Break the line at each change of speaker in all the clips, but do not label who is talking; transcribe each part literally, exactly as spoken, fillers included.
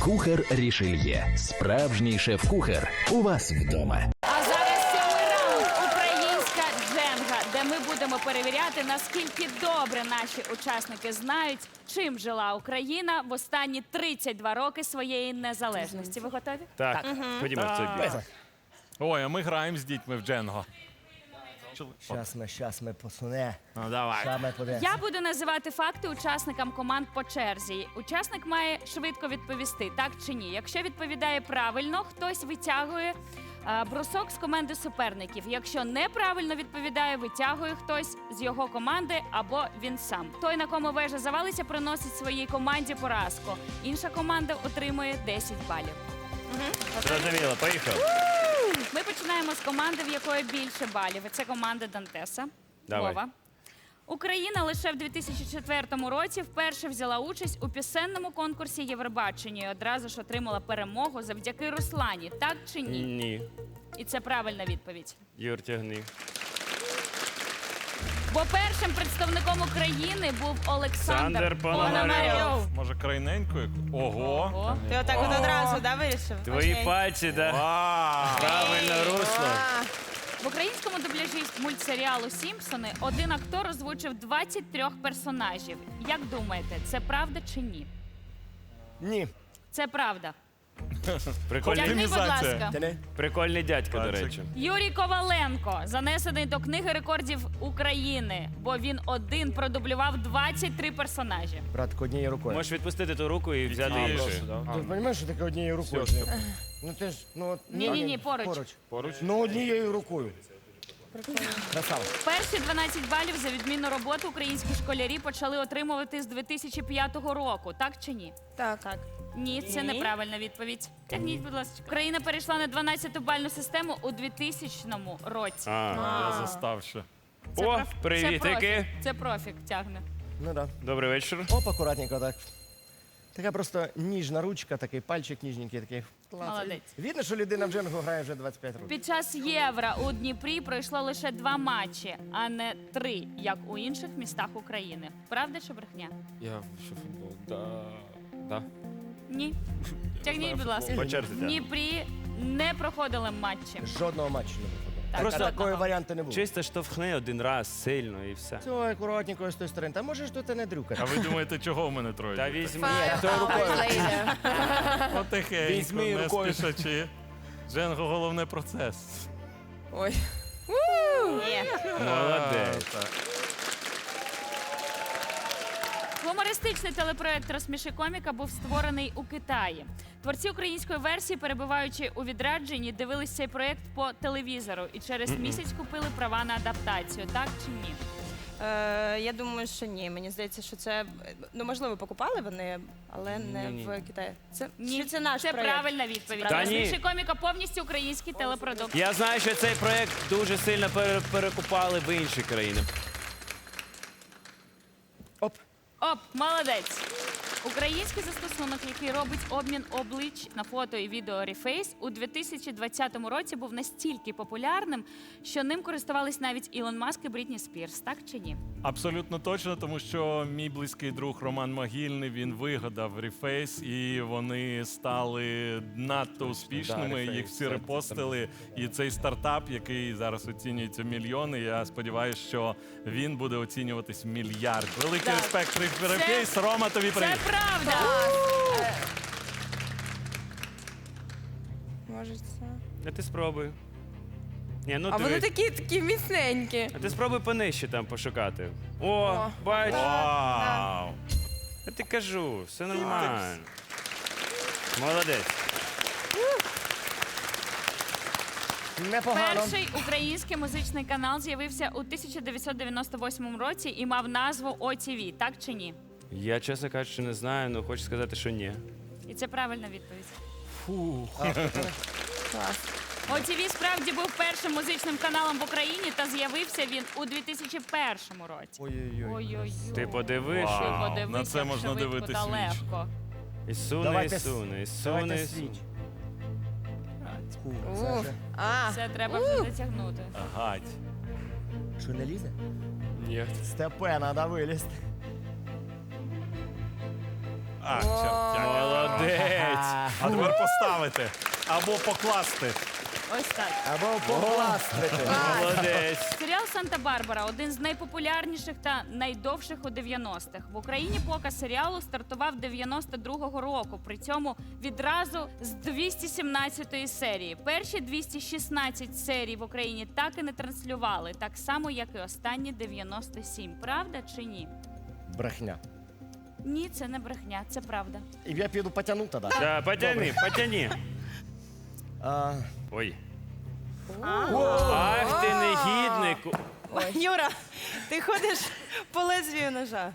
Кухар Рішельє. Справжній шеф-кухар. У вас вдома.
А зараз сьомий раунд «Українська дженга», де ми будемо перевіряти, наскільки добре наші учасники знають, чим жила Україна в останні тридцять два роки своєї незалежності. Ви готові?
Так, ходімо в цей бік.
Ой, а ми граємо з дітьми в Дженго.
Щас ми, щас ми посуне.
Ну, давай.
Щас ми подивимося.
Я буду називати факти учасникам команд по черзі. Учасник має швидко відповісти, так чи ні. Якщо відповідає правильно, хтось витягує а, брусок з команди суперників. Якщо неправильно відповідає, витягує хтось з його команди або він сам. Той, на кому вежа завалиться, приносить своїй команді поразку. Інша команда отримує десять балів.
Зрозуміло, поїхав.
Ми починаємо з команди, в якої більше балів. І це команда Дантеса.
Давай.
Вова. Україна лише в дві тисячі четвертому році вперше взяла участь у пісенному конкурсі Євробачення і одразу ж отримала перемогу завдяки Руслані. Так чи ні?
Ні.
І це правильна відповідь.
Юр, тягни.
Бо першим представником України був Олександр
Олександр Пономарьов.
Може, крайненько? як- Ого.
О,
Ти отак от одразу, да, вирішив?
Твої
Окей.
пальці, да?
Вау.
Правильно русло.
А,
в українському дубляжі мультсеріалу «Сімпсони» один актор озвучив двадцять три персонажів. Як думаєте, це правда чи ні?
Ні.
Це правда.
Прикольний,
Тягни, будь
Оптимізація.
ласка.
Ти не?
прикольний дядько, до
Пальчик.
речі.
Юрій Коваленко занесений до книги рекордів України, бо він один продублював двадцять три персонажі.
Братко, однією рукою.
Можеш відпустити ту руку і взяти
А,
іншу.
Ти розумієш, що таке однією рукою? Ну ти ж, ну от...
Ні-ні-ні, поруч.
Поруч.
Поруч?
Ну однією рукою. Красава.
Перші дванадцять балів за відмінну роботу українські школярі почали отримувати з дві тисячі п'ятого року. Так чи ні?
так. так.
Ні, це
Ні.
неправильна відповідь. Тягніть, будь ласка. Україна перейшла на дванадцяту бальну систему у двотисячному році.
А.
Я застав ще.
Це
О,
проф-
привітики.
Це профік, це профік тягне.
Ну да.
Добрий вечір.
Оп, акуратненько так. Така просто ніжна ручка, такий пальчик ніжненький, такий. Клас.
Молодець.
Видно, що людина в дженгу грає вже двадцять п'ять років.
Під час Євро у Дніпрі пройшло лише два матчі, а не три, як у інших містах України. Правда чи брехня?
Я що футбол? Да. Да.
Ні. Тягніть, будь ласка.
По черзі,
В
так.
Дніпрі не проходили матчі.
Жодного матчу не виходило.
Так,
Просто
жодного.
Такої варіанту не було.
Чисто штовхни один раз сильно і все.
Все, акуратненько з тої сторони. Та можеш тут і не дрюкати.
А ви думаєте, чого в мене троє?
Та
дітей?
візьми.
Тою рукою.
Потихеньку,
Візьми
не
рукою.
спішачи. Дженго — головне процес.
Ой. Ні.
Молодець.
Так.
Гумористичний телепроект «Розсміши коміка» був створений у Китаї. Творці української версії, перебуваючи у відрядженні, дивились цей проект по телевізору і через місяць купили права на адаптацію. Так чи ні?
Е, я думаю, що ні. Мені здається, що це, ну, можливо, покупали вони, але не
Ні-ні.
в Китаї. Це,
Ні,
чи це наш
це
проєкт?
правильна відповідь.
Та ні.
«Розсміши коміка» повністю український телепродукт.
Я знаю, що цей проект дуже сильно пере- перекупали в інші країни.
Оп.
Оп, молодець. Український застосунок, який робить обмін облич на фото і відео Reface, у дві тисячі двадцятому році був настільки популярним, що ним користувались навіть Ілон Маск і Брітні Спірс. Так чи ні?
Абсолютно точно, тому що мій близький друг Роман Могильний, він вигадав Reface, і вони стали надто успішними,
Reface,
їх всі
це-
репостили. І цей стартап, який зараз оцінюється в мільйони, я сподіваюся, що він буде оцінюватись в мільярд. Великий
Так.
респект, Reface. Рома, тобі
Це
привіт.
правда.
Може, це...
А ти спробуй. Ні, ну
А
ти,
вони такі, такі міцненькі.
а ти спробуй понижче там пошукати. О,
О.
бач.
Вау!
Я ти кажу, все нормально. Молодець.
Непогано.
Перший український музичний канал з'явився у тисяча дев'ятсот дев'яносто восьмому році і мав назву О Ті Ві. Так чи ні?
Я, чесно кажучи, не знаю, але хочу сказати, що ні.
І це правильна відповідь.
Клас.
О Ті Ві справді був першим музичним каналом в Україні та з'явився він у дві тисячі першому році.
Ой-ой-ой.
Ой-ой-ой.
Ти подивиш.
Вау.
Ви подивися,
На це можна
швидко
дивитись
та
віч.
легко.
І суне, і
Давайте
суне, і
с-
суне,
Давайте
і суне.
свіч. Фу,
Ух.
це вже-
А,
Це треба вже затягнути.
Гать.
Що, не лізе?
Ні.
Степе, треба вилізти.
А, чорт,
Молодець.
А тепер поставити. Або покласти.
Ось так.
Або попластити.
Молодець.
Серіал Санта-Барбара один з найпопулярніших та найдовших у дев'яностих. В Україні показ серіалу стартував дев'яносто другого року. При цьому відразу з двісті сімнадцятої серії. Перші двісті шістнадцять серій в Україні так і не транслювали, так само як і останні дев'яносто сім. Правда чи ні?
Брехня.
Ні, це не брехня, це правда.
І я піду потягну тоді.
Да, потяни, потяни.
А,
Ой. Ах ти негідник.
Юра, ти ходиш по лезвію ножа.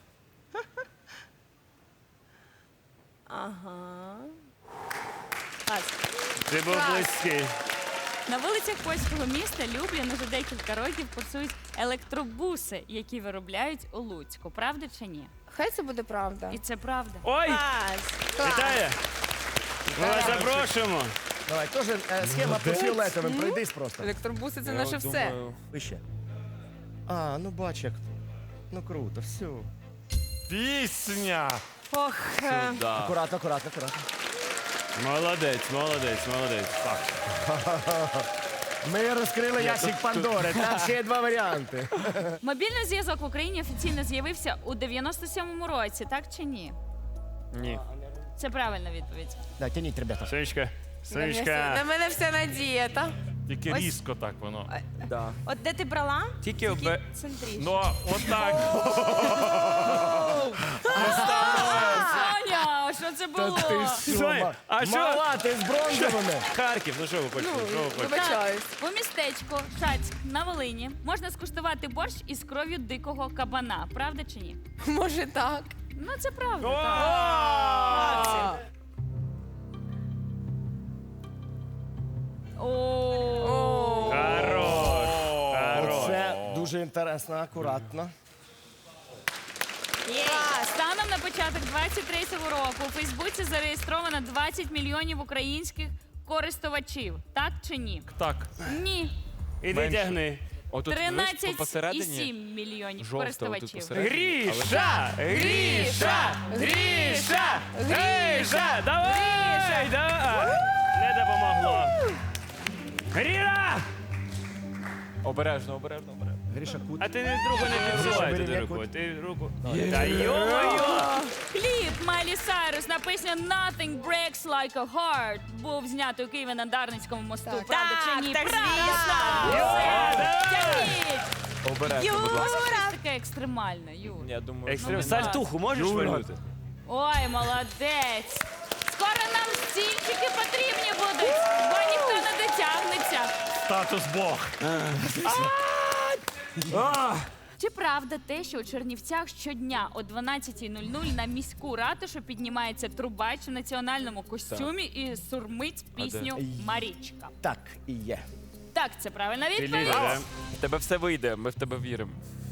Ага. Клас.
Ти був близький.
На вулицях польського міста Люблін уже декілька років курсують електробуси, які виробляють у Луцьку. Правда чи ні?
Хай це буде правда.
І це правда.
Ой!
Клас.
Вітаю! Ми вас запрошуємо.
давай, теж е, схема по фіолетовим. Пройдись просто.
Електробуси це
Я
наше все.
думаю,
Вище. А, ну бач як. Ну круто, все.
Пісня.
Ох, е,
сюди.
Акуратно, акуратно, акуратно.
Молодець, молодець, молодець. Так.
Ми розкрили ящик Пандори. Там ще є два варіанти.
Мобільний зв'язок в Україні офіційно з'явився у дев'яносто сьомому році, так чи ні?
Ні.
Це правильна відповідь.
Да, тяніть, ребята.
Сонечка,
На мене вся-
Сонечка.
На мене вся надія, та?
Тільки різко так воно.
Да.
от де ти брала?
Тільки обе...
Центріше.
Ну, отак.
Соня, що це було?
Сонь, а що?
Мала, ти з бронзовими.
Харків, ну що ви хочете? Що ви хочете?
Вибачаюсь.
У містечку Шацьк на Волині можна скуштувати борщ із кров'ю дикого кабана. Правда чи ні?
Може так.
Ну це правда.
О!
Так. О.
Хорош, хорош.
Це дуже інтересно, акуратно.
Станом на початок двадцять третього року у Фейсбуці зареєстровано двадцять мільйонів українських користувачів. Так чи ні?
Так.
Ні.
Іди тягни.
Отут
тринадцять і
посередині
сім мільйонів
жовта, отут
користувачів.
посередині.
Гріша! Гріша! Гріша! Гріша! Давай! Давай! Не допомогло. Гріша!
Обережно, обережно, обережно.
Гріша Кут.
А ти другу не підсувай туди руку. Ти руку. Та йо-моє!
Кліп Майлі Сайрус на пісню «Nothing breaks like a heart» був знятий у Києві на Дарницькому мосту. Правда чи ні?
так,
Правда!
звісно.
Все, тягніть!
Обережно, будь ласка.
Щось таке екстремальне, Юр.
Я думаю,
Екстрем...
Ну,
Сальтуху можеш
Юра.
вальнути?
Ой, молодець! Скоро нам стільчики потрібні будуть, бо ніхто не дотягнеться.
Статус Бог.
Чи правда те, що у Чернівцях щодня о дванадцятій нуль нуль на міську ратушу піднімається трубач в національному костюмі і сурмить пісню «Марічка»?
Так і є.
Так, це правильна
Ти
відповідь.
лідер, да?
в тебе все вийде, ми в тебе віримо.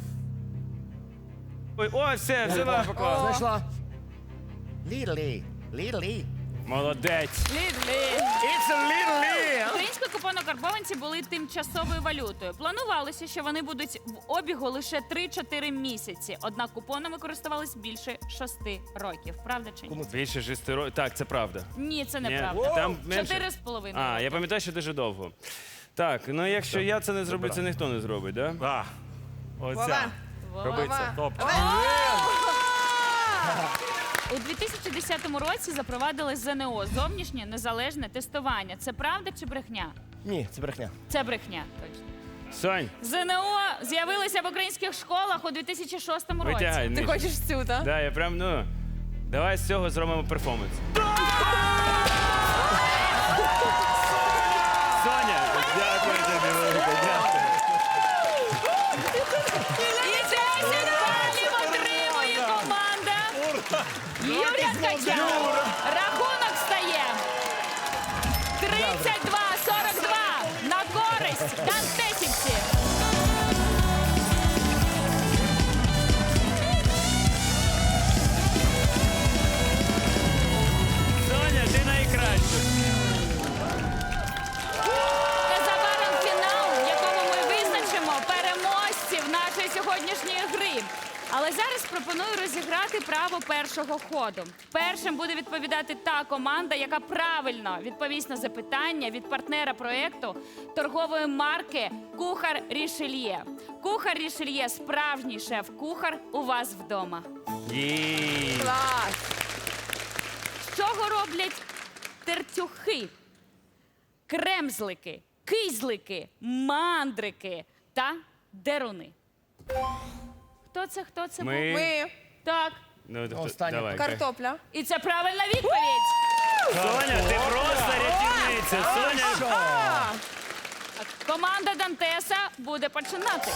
Ой, о, все, все вам поклав.
Знайшла. Лілі. Лілі.
Молодець.
Лідлі.
It's a Лілі.
Українські купонокарбованці були тимчасовою валютою. Планувалося, що вони будуть в обігу лише три-чотири місяці. Однак купонами користувались більше шести років. Правда чи ні?
Більше шести років. Так, це правда.
Ні, це
Ні?
неправда.
Там менше?
Чотири з половиною.
А, я пам'ятаю, що дуже довго. Так, ну якщо я це не зроблю, це ніхто не зробить, так? Да?
А, оця.
Роби це.
Топ.
У дві тисячі десятому році запровадили ЗНО – зовнішнє незалежне тестування. Це правда чи брехня?
Ні, це брехня.
Це брехня. Точно.
Сонь,
ЗНО з'явилося в українських школах у дві тисячі шостому році.
витягай.
Ти
нижче.
хочеш цю, так?
Да, я прям, ну. Давай з цього зробимо перформанс. Соня, дякую тобі велике, дякую.
І десять балів отримує команда Юрія Ткача. Рахунок стає тридцять два сорок два на користь дантесівців.
Соня, ти найкраща.
Незабаром фінал, в якому ми визначимо переможців нашої сьогоднішньої гри. Але Але зараз пропоную розіграти право першого ходу. Першим буде відповідати та команда, яка правильно відповість на запитання від партнера проєкту торгової марки «Кухар Рішельє». «Кухар Рішельє» – справжній шеф-кухар у вас вдома.
Єй.
Клас.
З чого роблять тертюхи, кремзлики, кизлики, мандрики та деруни? Хто це, хто це був?
Ми...
Ми.
Так.
Ну, т-
Останнє.
давай.
Картопля.
І це правильна відповідь.
Соня, ти просто рятівниця. Соня,
Команда Дантеса буде починати.